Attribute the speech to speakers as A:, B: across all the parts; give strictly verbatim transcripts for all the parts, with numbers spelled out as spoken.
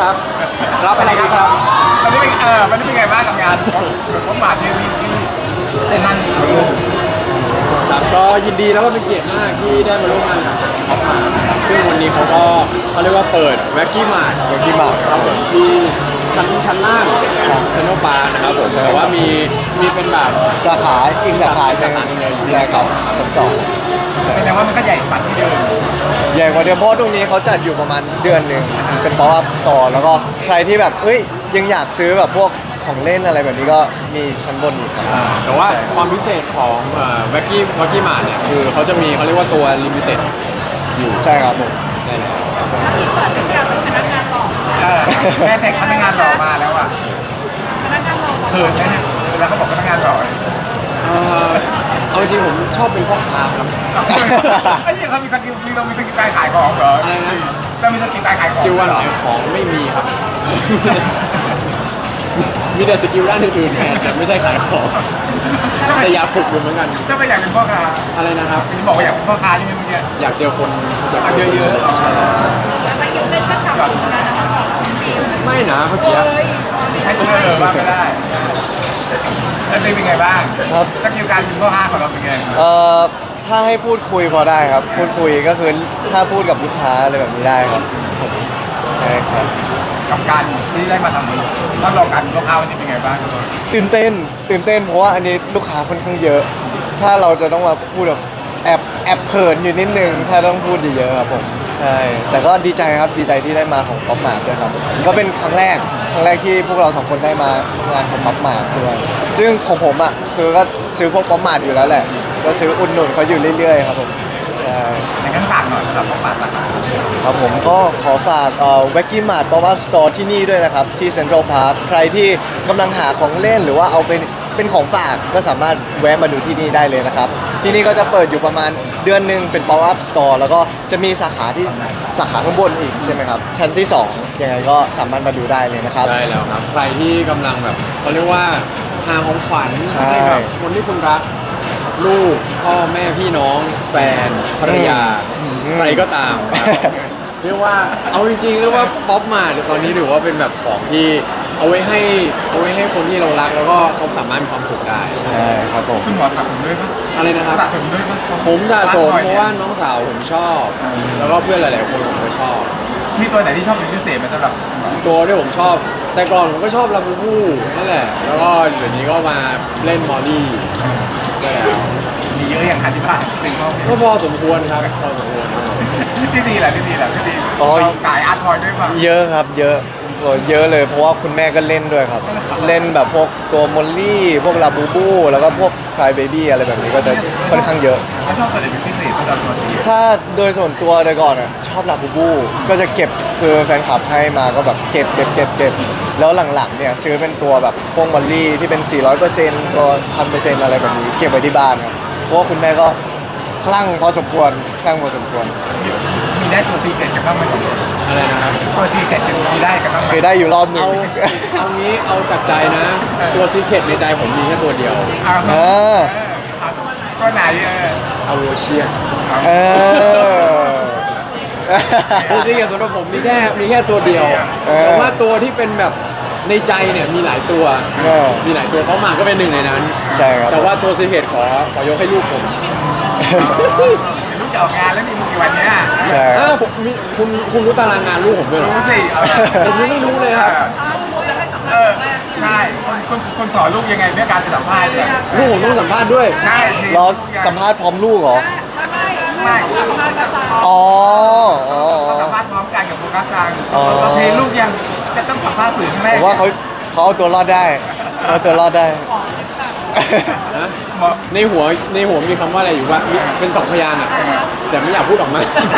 A: ครับรับอะไรดีครับ
B: วันนี้เป็นเออวันนี้เป็นไงบ้างกับงานผมมาที่ที่ที่เซนนัน
A: ครับก็ยินดีแล้วก็เป็นเกียรติมากที่ได้มาร่วมงานกับท็อปมานะครับซึ่งวันนี้เขาก็เขาเรียกว่าเปิดแว็กกี้มาร์ทแว็กกี้มาร์ทครับผมที่ชั้นชั้นล่างของเซนโนปาร์นะครับผมแต่ว่ามีมีเป็นแบบ
C: สาขาอีกสาขาสาขาหนึ่งเลยอยู่แรกสองชั้นสอง
B: เป็นแต่ว่ามันก็ใหญ่กว่าที่เดิม
C: ใหญ่กว่าเดิมเพราะตรงนี้เขาจัดอยู่ประมาณเดือนหนึ่งเป็น pop up store แล้วก็ใครที่แบบเอ้ยยังอยากซื้อแบบพวกของเล่นอะไรแบบนี้ก็มีชั้นบนอีกครับ
A: แต่ว่าความพิเศษของแว็กกี้แว็กกี้มาร์ทเนี่ยคือเขาจะมีเขาเรียกว่าตัวลิมิเต็ดอยู่
C: ใช่ครับผม
A: ใช่แล้ว
D: ที่เปิดเป็นการเป็นพนักงานหล่อ
B: แม่แท็กพนักงานหล่อมาแล้วอ่ะ
D: พนักงานหล่อ
B: เขินไหมฮะแล้วเขาบอกพนักงานหล่อ
A: เอ่อเอาจริงผมชอบเป็นพ่อค้าครับ
B: ไอ้เนี่ยเขามีสกิลมีเรามีสกิลการขายของเหรออะไรนะเรามีสกิลการขายของ
A: สกิลการขายของไม่มีครับ มีแต่สกิลด้านอื่นๆแทนแต่ไม่ใช่ขายของแต่อยากฝึกอยู่เหมือนกัน
B: ถ้าไม่อยากเป็นพ่อค้า
A: อะไรนะครับ
B: จะบอกว่าอยากเป็นพ่อค้าใช่ไหมเมื่อกี้
A: อยากเจอคนอยาก
B: เยอะๆ
A: ใช่
D: แต่สกิลเล่นก็ฉ่ำเหมือนกันนะคะ
A: ไม่นะเมื่อกี้
B: ให้ตัวเออว่าไม่ได้แล้วเป็นไงบ้าง
C: ครับ
B: สกิลการเป็นพ่อค้าของเราเป็นไง
C: เอ่อถ้าให้พูดคุยพอได้ครับพูดคุยก็คือถ้าพูดกับลูกค้าอะไรแบบนี้ได้ครับใช่ครับ
B: กับการที่ได้มาทำต้องลองการเป็นพ่อค้าวันนี้เป็นไงบ้าง
C: ตื่นเต้นตื่นเต้นเพราะว่าอันนี้ลูกค้าค่อนข้างเยอะ ถ้าเราจะต้องมาพูดแบบแอบแอบเขินอยู่นิดนึงถ้าต้องพูดเยอะๆครับผมใช่แต่ก็ดีใจครับดีใจที่ได้มาของป๊อปมาร์ทด้วยครับก็เป็นครั้งแรกครั้งแรกที่พวกเราสองคนได้มางานของป๊อปมาร์ทด้วยซึ่งของผมอ่ะคือก็ซื้อพวกป๊อปมาร์ทอยู่แล้วแหละก็ซื้ออุดหนุนเขาอยู่เรื่อยๆครับผมใช่
B: อย่างนั้นฝากหน่อยสำหรับป๊อปมาร์ท
C: ครับผมก็ขอฝากเอ่อแว็กกี้มาร์ทป๊อปอัพสโตร์ที่นี่ด้วยนะครับที่เซ็นทรัลพาร์คใครที่กำลังหาของเล่นหรือว่าเอาเป็นเป็นของฝากก็สามารถแวะมาดูที่นี่ได้เลยนะครับที่นี่ก็จะเปิดอยู่ประมาณเดือนหนึ่งเป็น pop up store แล้วก็จะมีสาขาที่สาขาข้างบนอีกใช่ไหมครับชั้นที่สองยังไงก็สามารถมาดูได้เลยนะครับ
A: ได้แล้วครับใครที่กำลังแบบเขาเรียกว่าหาของขวัญให้กับคนที่คุณรักลูกพ่อแม่พี่น้องแฟนภรรยาใครก็ตามเรียกว่าเอาจริงๆเรียกว่าป๊อปมาร์ทตอนนี้ถือว่าเป็นแบบของที่เอาไว้ให้เอาไว้ให้คนที่เรารักแล้วก็เขาสามารถมีความสุขได้
C: ใช่ครับผม
B: คุณหมอสะสมด้วยปะ
A: อะไรนะครับ
B: สะสมด้วยปะ
A: ผมสะสมเพราะว่าน้องสาวผมชอบแล้วก็เพื่อนหลายๆคนผมก็ชอบ
B: มีตัวไหนที่ชอบเป็นพิเศษไหมสำหรับ
A: ตัวที่ผมชอบแต่ก่อนผมก็ชอบลาบูบูนั่นแหละแล้วก็เดี๋ยวนี้ก็มาเล่นมอลลี่ใช่แล้ว
B: มีเยอะอย่างที่บ้านเป็นพ่อ
A: ก็พอสมควรครับพอสมควร
B: ที่ดีแหละที่ดีแหละที่ดีขายอาร์ทอยด้วยป่ะ
C: เยอะครับเยอะเยอะเลยเพราะว่าคุณแม่ก็เล่นด้วยครับเล่นแบบพวกตัวมอลลี่พวกลาบูบูแล้วก็พวกคลายเบบี้อะไรแบบนี้ก็จะค่อนข้างเยอะ
B: เขาชอบตัวไหนเป็นพิเศษสำหรับตัวนี้
C: ถ้าโดยส่วนตัวโดยก่อนอ่ะชอบลาบูบูก็จะเก็บคือแฟนคลับให้มาก็แบบเก็บเก็บเก็บเก็บแล้วหลังๆเนี่ยซื้อเป็นตัวแบบพวกมอลลี่ที่เป็น สี่ร้อยเปอร์เซ็นต์ ตัว หนึ่งพันเปอร์เซ็นต์ อะไรแบบนี้เก็บไว้ที่บ้านครับเพราะว่าคุณแม่ก็คลั่งพอสมควรคลั่งพอสมควร
B: มีได้ตัวซีเกตกันบ้างไหม
A: อะไรนะครับ
B: ตัวซีเกตกันมีได้กันบ้างไหม
C: เคยได้อยู่รอบหนึ่ง
A: เอาเอางี้เอาจากใจนะตัวซีเคร็ตในใจผมมีแค่ตัวเดียว
C: เออ
B: ก็ไหนเออ
A: เอาโวเชีย
C: เออ
A: ตัวซีเคร็ตสำหรับผมมีแค่มีแค่ตัวเดียวแต่ว่าตัวที่เป็นแบบในใจเนี่ยมีหลายตัวมีหลายตัวเขามาก็เป็นหนึ่งในนั้น
C: ใช่ครับ
A: แต่ว่าตัวซีเคร็ตขอขอยกให้ลูกผม
B: ลูกจะออกงานแล้วมีมุกี่วันเนี้ย
C: ใช่
A: ผมคุณคุณรู้ตารางงานลูกผมด้วยหรอ
B: รู้สิ
A: ผมยังไม่รู้เลยครับ
B: เออใช่คนคนคนสอนลูกยังไงเรื่องการสัมภาษณ์เนี่ย
A: ลูกผมต้องสัมภาษณ์ด้วย
B: ใช่
C: รอสัมภาษณ์พร้อมลูกเหรอ
B: ไม่สัมภาษณ์กับ
C: อ๋อ
B: เขาสัมภาษณ์พร้อมกันกับโฟกัสกลางเราเทลูกยังจะต้องสัมภาษณ์สื่อครั้งแรก
C: ผมว่าเขาเขาเอาตัวรอดได้เอาตัวรอดได้
A: ในหัวในหัวมีคำว่าอะไรอยู่ว่าเป็นสองพยางค์อ่ะแต่ไม่อยากพูดออกมา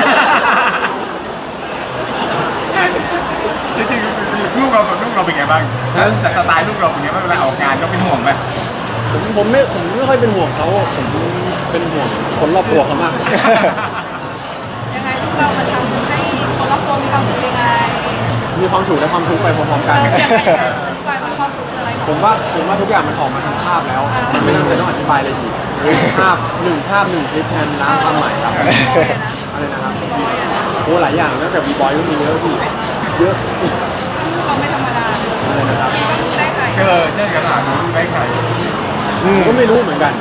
B: จริงๆลูกเราลูกเราเป็นไงบ้างแต่สไตล์ลูกเราเป็นไงบ้างเวลาออกงานเราเป็นห่วงไหม
A: ผมผมไม่ผมไม่ค่อยเป็นห่วงเขาผมเป็นห่วงคนรอบตัวเขามาก
D: ยังไงลูกเรามันทำให้คนรอบตัวมีความสุขยังไง
A: มีความสุขและความทุกข์ไปพร้อมๆกัน
D: ยังไงความสุขคืออะไร
A: ผมว่าผมว่าทุกอย่างมันออกมาทางภาพแล้วมันไม่จำเป็นต้องอธิบายอะไรอีกภาพหนึ่งภาพหนึ่งคลิปแทนน้ำความหมายครับอะไรนะครับโอ้หลายอย่างนอกจากบีบอยก็มีเยอะพี่เยอะ
D: เราไม่ธรรมดา
A: อะไรนะครับ
D: คิดว่าลูกได้ใคร
B: เออเช่นกันอ่ะลูกได้ใคร
A: ผมก็ไม่รู้เหมือนกัน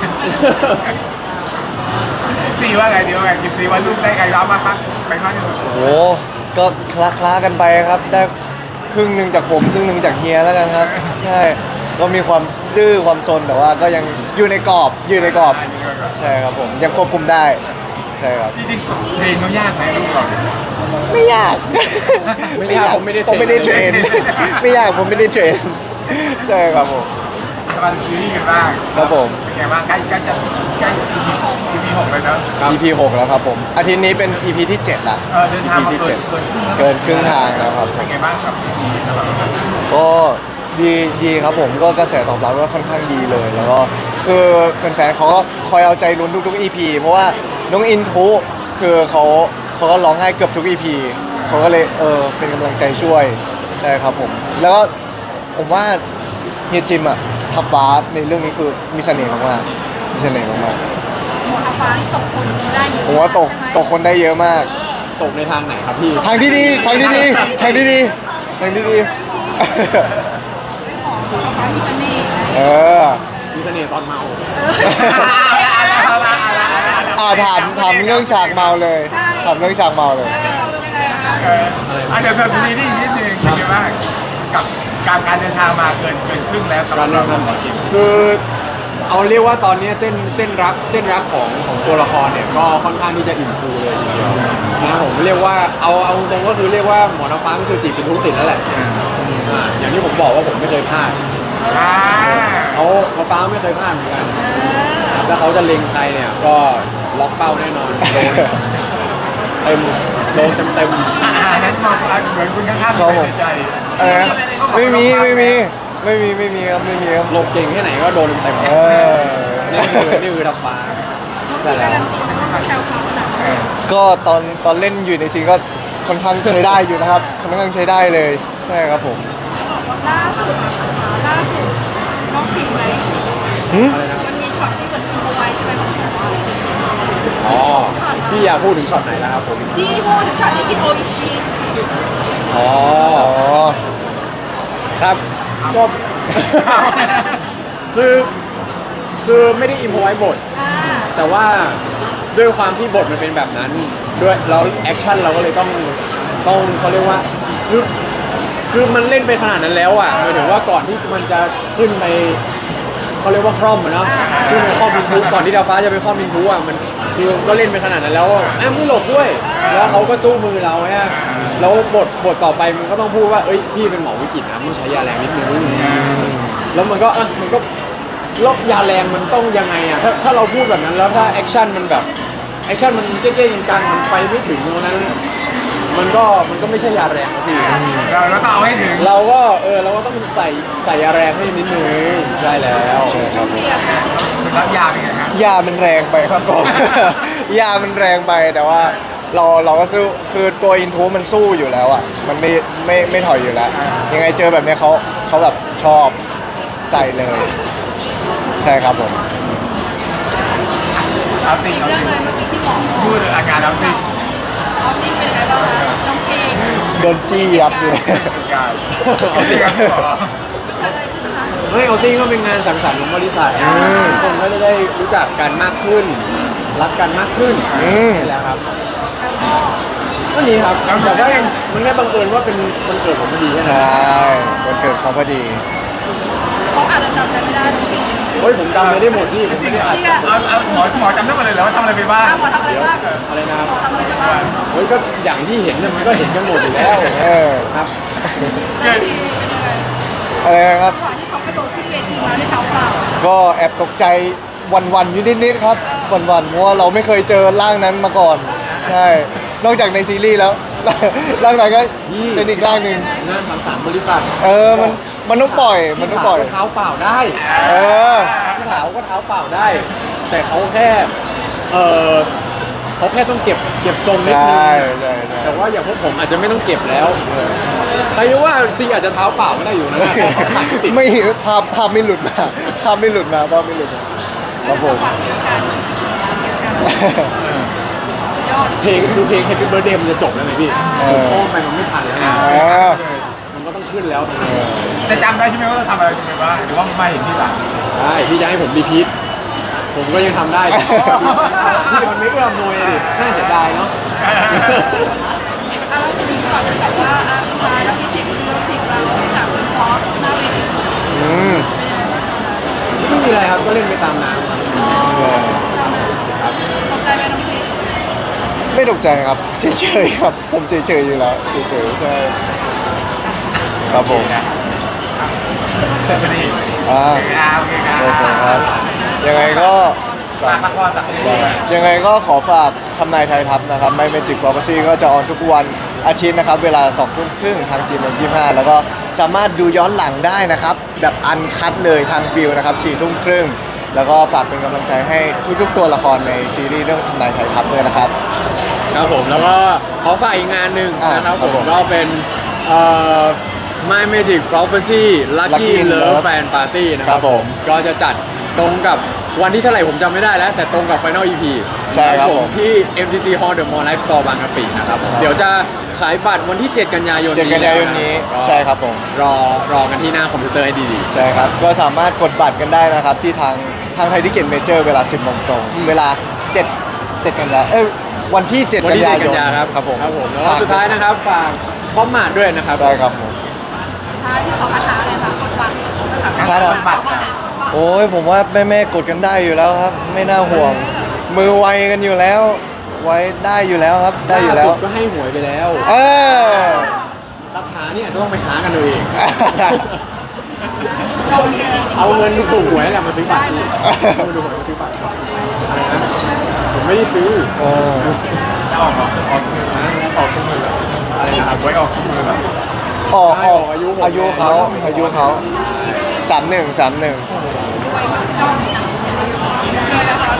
B: ซีว่าไงดีว่าไงกินซีว่าลูกได้ใครรับมาครับไปข้างหนึ่ง
C: โอ้ก็คลาคลาๆกันไปครับได้ครึ่งหนึ่งจากผมครึ่งหนึ่งจากเฮียแล้วกันครับ ใช่ก็มีความดื้อความซนแต่ว่าก็ยังอยู่ในกรอบอยู่ในกรอบใช่ครับผมยังควบคุมได้ใช่ครับ
B: ที่จริงเพลงเขายากไหมลูกเรา
C: ไม่ยาก
A: ไม่ยากผมไม่ได้เทรน
C: ผมไม่ได้เทรน ไม่ยากผมไม่ได้เทรนใช่ครับผม
B: กำลังซีรีส์กันบ้าง
C: ครับผม
B: เป็นไงบ้างใกล้ใกล้จะใกล้ อี พี อี พี หกเลยเนอะ
C: อี พี หกแล้วครับผมอาทิตย์นี้เป็น อี พี ที่เจ็ดละ
B: เออเดินทางมา
C: อี พี
B: เกิ
C: ที่
B: น
C: เจ็ด
B: เกินครึ่ง
C: เกินครึ่งทางแล้วครับ
B: เป็นไงบ้างครับอี พี สำหรับเรา
C: ก็ดีดีครับผมก็กระแสตอบรับก็ค่อนข้างดีเลย แล้วก็คือแฟนๆเขาก็คอยเอาใจลุ้นทุกๆ อี พี เพราะว่าน้องอินทุคือเขาเขาก็ร้องไห้เกือบทุก อี พี เขาก็เลยเออเป็นกำลังใจช่วยใช่ครับผมแล้วก็ผมว่าเฮียจิมอะทับฟ้าในเรื่องนี้คือมีเสน่ห์มากๆมีเสน่ห์มาก
D: หมดอาฟ้าที่ตกคนได้เยอะ
C: ๆผมว่าตกตกคนได้เยอะมาก
A: ตกในทางไหนครับพี่
C: ทางที่ดีทางที่ดีทางที่ดีทางที่ดี
D: ไม่ขอหมดอาฟ้ามีเสน่ห์
C: เออ
A: มีเสน่ห์ตอนเมา
C: อ่าถามถามเรื่องฉากเมาเลยถามเรื่องฉากเมาเลย
D: เราเป็นยังไงคะ
B: เอออ่ะเดี๋ยวเธอซีรีส์นิดนึงเป็นไงบ้างกับการการเดินทางมาเกินเกินครึ่งแล้วสำห
A: การ
B: รับ
A: เดิ
B: เรา
A: นทางคือเอาเรียกว่าตอนนี้เส้นเส้นรักเส้นรักของของตัวละครเนี่ยก็ค่อนข้างที่จะอิ่มฟูเลยทีเดียวนะครับผมเรียกว่าเอาเอาตรงก็คือเรียกว่าหมอน้ำฟ้าก็คือจีบเป็นทุกติดแล้วแหละอ่าอย่างที่ผมบอกว่าผมไม่เคยพลาด
B: อ่า
A: เขาเขาฟ้าไม่เคยพลาดเหมือนกันครับถ้าเขาจะเล็งใครเนี่ยก็ล็อกเป้าแน่นอนโดนเต็มโดนเต็มเต็ม
B: อ่านั้นมองเหมือนคุณข้างๆ
C: ครับผม
B: ในใจ
C: อะไรนะไม่มีไม่มีไม่มีไม่มีครับไม่มีครับ
A: หลบเก่งแค่ไหนก็โดนเต็ม
C: เออ
A: นี่คือนี่คือทับฟ้าใช่แล้ว
D: การันตีมันต้องแซวเขาหนัก
C: ก็ตอนตอนเล่นอยู่ในซีนก็ค่อนข้างใช้ได้อยู่นะครับค่อนข้างใช้ได้เลยใช่ครับผม
D: ล่าสุดล่าสุดน้องสิงไหม
C: หึ
A: อะไรนะ
D: มันมีช็อตที่เหมือนอินโฟไว้ใช่ไหมของเขา
A: อ๋อพี่อยากพูดถึงช็อตไหนแล้วครับผม
D: ที่พูดถึงช็อตที่กินโออิชิ
A: อ๋อ
C: อ๋อ
A: ครับก็ คือคือไม่ได้อิมพอไว้บท
D: อ่า
A: แต่ว่าด้วยความที่บทมันเป็นแบบนั้นด้วยแล้วแอคชั่นเราก็เลยต้องต้องเขาเรียกว่าคือคือมันเล่นไปขนาดนั้นแล้วอ่ะหมายถึงว่าก่อนที่มันจะขึ้นไปเขาเรียกว่าคร่อมอะเนาะขึ้นไปคร่อมมินทุก่อนที่ดาวฟ้าจะไปคร่อมมินทุอ่ะมันคือก็เล่นไปขนาดนั้นแล้วอะแอมไม่หลบด้วย แล้วเขาก็สู้มือเราฮะแล้วบทบทต่อไปมันก็ต้องพูดว่าเอ้ยพี่เป็นหมอวิกฤตนะต้องใช้ยาแรงนิดนึงแล้วมันก็อ่ะมันก็ แล้วยาแรงมันต้องยังไงอ่ะถ้าถ้าเราพูดแบบนั้นแล้วถ้าแอคชั่นมันแบบแอคชั่นมันเก๊ๆกังๆมันไปไม่ถึงตรงนั้น มันก็มันก็ไม่ใช่ยาแรงนะพี่
B: เราเราต้องเอาให้ถึง
A: เราก็เออเราก็ต้องใส่ใส่ยาแรงให้นิดนึงใช่แล้ว
C: ครับผม
D: เสียงนะ
B: รับยาเป็นไงครับ
C: ยามันแรงไปครับผม ยามันแรงไปแต่ว่าเราเราก็สู้คือตัวอินทูมันสู้อยู่แล้วอ่ะมันไม่ไม่ไม่ถอยอยู่แล้ว ยังไงเจอแบบเนี้ยเขาเขาแบบชอบใส่เลย ใช่ครับผม
B: เอาติ่ง
D: อีก
B: เอา
D: เรื่อง
B: ติ่ง
D: เลยเมื่อกี้ที่หมอบอก
B: พูดถึงอาการเอาติ่ง
D: ออฟฟิศเป็นไงบ้างคะน้องเก่ง
C: โดนจี้ยับเลย
B: การเอาติ่งครับหมอ
D: เกิดอะไรขึ้นคะ
A: ไม่เอาติ้งก็เป็นงานสังสรรค์ของบริษัททุกคนก็จะได้รู้จักกันมากขึ้น รักกันมากขึ้น
C: อืม
A: ใช่แล้วครับ
D: แล้วก็
A: ก็นี้ครับแต่ว่ามันแค่บังเอิญว่าเป็นวันเกิดผมพอดีแค่
C: ใช
A: นั้น่
C: วันเกิดเขาพอดี
D: เขาอาจจะจำกันไม่ได้ทุกสิ่ง
A: เฮ้ยผมจำอะไรได้หมดที่ผมไม่ได้อัด
B: เอาเอาหมอหมอจำได้หมดเลยเหรอว่าทำอะไรไปบ้าง
D: หมอทำอะไรบ้าง
A: อะไรนะครับ
D: หมอทำอะไรไปบ้าง
A: เฮ้ยก็อย่างที่เห็นเนี่ยมันก็เห็นกันหมดอยู่แล้ว
C: เออ
A: ครับ
B: เกิด
D: ที่เป็นยังไง
C: อะไรนะครับ
D: ก่อนที่เขากระโดดขึ้นเวทีมาด้วยเท้าเปล่า
C: ก็แอบตกใจวันๆอยู่นิดๆครับวันๆเพราะว่าเราไม่เคยเจอร่างนั้นมาก่อน ใช่ นอกจากในซีรีส์แล้ว ร่างไหนก็เป็นอีกร่างหนึ่ง
A: งานสังสรรค์บริษัท
C: เออมันมันต้องปล่อยมันต้องปล่อย
A: พี่ขาวก็เท้าเปล่าได้
C: เออ
A: พี่ขาวก็เท้าเปล่าได้ แต่เขาแค่เออเขาแค่ต้องเก็บเก็บทรงนิด
C: ใช่
A: นึง
C: ใช่ใช่
A: แต่ว่าอย่างพวกผมอาจจะไม่ต้องเก็บแล้วใครรู้ว่าซีอาจจะเท้าเปล่าไม่ได้อยู่นะแค่เขาถ่ายไม่ติด
C: ไม่ภาพภาพไม่หลุดมาภาพไม่หลุดมาภาพไม่หลุดมาครับผม
D: ฝั่งเดียวกันยอด
A: เพลงดูเพลง Happy Birthday มันจะจบแล้วไงพี่
C: เอ
A: ผม
C: อ
A: อ้อมไปมันไม่ทันแล้วไง
C: เออ
A: มันก็ต้องขึ้นแล้วตรงนี้
B: จะจำได้ใช่ไหมว่าเราทำอะไรไปบ้างหรือว่าไม่เห็นที่หลัง
A: ใช่พี่จะให้ผมรีพีทผมก็ยังทำได้แต่พี่มันไม่เอื้อมหน่วยดิน่าเสียดายเนาะ
D: อ่ะแล้วทีนี้ก่อนจะแบบว่าอ่ะสุดท้ายแล้วพี่ชิคเราชิคเราจากซอสหน้าเวที
C: อืม
A: ไม่มีอะไรครับก็เล่นไปตามน้ำครับ
D: ตกใจไหมน้องชิค
C: ไม่ตกใจครับเฉยๆครับผมเฉยๆอยู่แล้วเฉยๆใช่ครับผม
B: พอดี
C: อ่า
B: โอเคครับโอเคครั
C: โอเคครับ
B: บ
C: ยังไงก็
B: ฝากละครจากซีรีส์
C: ยังไงก็ขอฝากทำนายไทยทัพนะครับไม่เมจิก Prophecy ก็จะออนทุกวันอาทิตย์นะครับ เวลาสองทุ่มครึ่งทางจีเอ็มยี่ห้าแล้วก็สามารถดูย้อนหลังได้นะครับ แบบอันคัดเลยทางวิวนะครับสี่ทุ่มครึ่งแล้วก็ฝากเป็นกำลังใจให้ทุกๆตัวละครในซีรีส์เรื่องทำนายไทยทัพด้วยนะครับ
A: ครับผมแล้วก็ขอฝากอีกงานหนึ่ง
C: อ่า
A: นะครับ
C: ครับ
A: ผ
C: ผม ม
A: ก็เป็นเอ่อ My Magic Prophecy Lucky
C: Lucky
A: Love
C: Love
A: Fan Party นะค
C: ครั
A: รับบ
C: ผม
A: ก็จะจัดตรงกับวันที่เท่าไหร่ผมจำไม่ได้แล้ว แต่ตรงกับ Final อี พี
C: ใช่ครับผม
A: ที่ เอ็ม ที ซี Hall The Mall Life Store บางกะปินะครับผมเดี๋ยวจะขายบัตรวันที่ เจ็ด กันยายน
C: เจ็ดกันยายนนี้
A: ก็
C: ใช่ครับผม
A: รอรอกันที่หน้าคอมพิวเตอร์ให้ดี
C: ใช่ครับ ก็สามารถกดบัตรกันได้นะครับ ที่ทางทางไทยทิเก็ตเมเจอร์เวลา สิบโมงตรง เวลาเจ็ด เจ็ดกันยาเอ้ยวันที่ เจ็ด
A: ๆวัน
C: กัน
A: ที่
C: ยา
A: เจ็ด
C: ย
A: กัน
C: น
A: ยาครับ
C: ครับผม
A: ครับผมแล้วก็สุดท้ายนะครับฝากพร้อมมาดด้วยนะครับ
C: ใช่ครับผม
D: สุดท้ายที่ขอคาถาอะไรคะกดบัตร
C: ครับ
B: บัตร
C: โอ้ยผมว่าแม่แม่ๆกดกันได้อยู่แล้วครับ ไม่น่าห่วง มือไวกันอยู่แล้ว ไว้ได้อยู่แล้วครับ ได้อยู่แล้ว
A: ล่าสุดก็ให้หวยไปแล้ว
C: เออ
A: คาถาเนี่ยต้องไปหากันดูเอง เอาเงินถูกหวยแหละมาซื้อบัตรนี่เอาเงินถูกหวยมาซื้อบัตรอะไรนะผมไม่ได้ซื้อ
C: เออ
B: จะออกออกออกมือนะออกทุกมือแบบ
A: อะไรนะครับ
B: ไว้ออกทุกมือแบบ
C: ออกออก
A: อายุผม
C: อายุเขาอายุเขาสามหนึ่งสามหนึ่ง
D: ด้วยกับช่องโอเคนะคะ